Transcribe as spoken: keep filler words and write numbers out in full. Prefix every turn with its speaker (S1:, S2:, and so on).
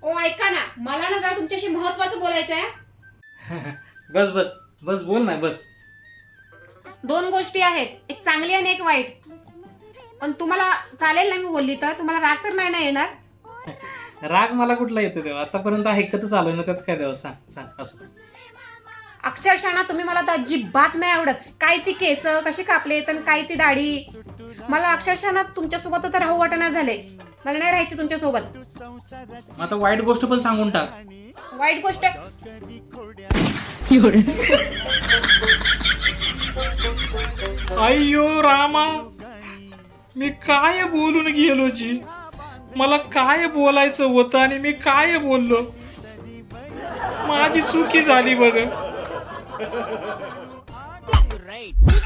S1: ओ ऐका ना, मला ना जरा तुमच्याशी महत्वाचं बोलायचं आहे.
S2: बस बस बस बोल ना बस.
S1: दोन गोष्टी आहेत, एक चांगली आणि एक वाईट. पण तुम्हाला चालेल ना मी बोलली तर? तुम्हाला राग तर नाही ना येणार?
S2: राग मला कुठला येतो तेव्हा, आतापर्यंत ऐकतच आलोय ना, त्यात काय देवा. सांग सांग असं.
S1: अक्षरशः ना तुम्ही मला तर अजिबात नाही आवडत. काय ती केस कशी कापले तर काय ती दाढी. मला अक्षरशः ना तुमच्यासोबत आता राहू वाटना झाले. मला नाही राहायचं तुमच्यासोबत.
S2: मग आता वाईट गोष्ट पण सांगून टाक.
S1: वाईट गोष्ट
S2: अय्यो रामा, मी काय बोलून गेलो जी. मला काय बोलायचं होतं आणि मी काय बोललो. माझी चुकी झाली बघ.